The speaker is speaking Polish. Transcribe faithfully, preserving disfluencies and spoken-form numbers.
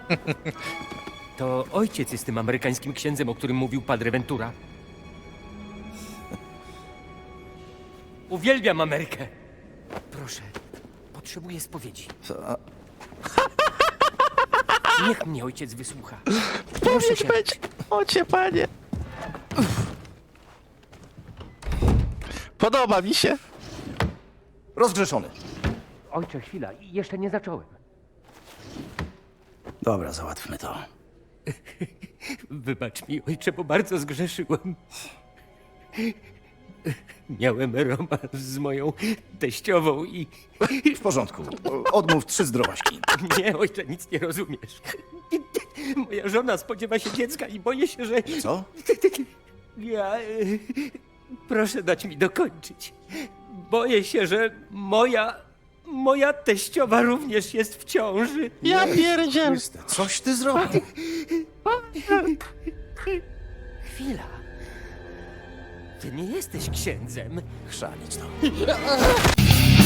To ojciec jest tym amerykańskim księdzem, o którym mówił Padre Ventura. Uwielbiam Amerykę. Proszę, potrzebuję spowiedzi. Co? Niech mnie ojciec wysłucha. Proszę Pomóż cię. być! Ocie, panie! Podoba mi się. Rozgrzeszony. Ojcze, chwila, jeszcze nie zacząłem. Dobra, załatwmy to. Wybacz mi, ojcze, bo bardzo zgrzeszyłem. Miałem romans z moją teściową i... W porządku. Odmów trzy zdrowaśki. Nie, ojcze, nic nie rozumiesz. Moja żona spodziewa się dziecka i boję się, że... Co? Ja... y, Proszę dać mi dokończyć. Boję się, że moja... Moja teściowa również jest w ciąży. Ja pierdziel! Chryste, coś ty zrobił. Chwila. Ty nie jesteś księdzem. Chrzanić to.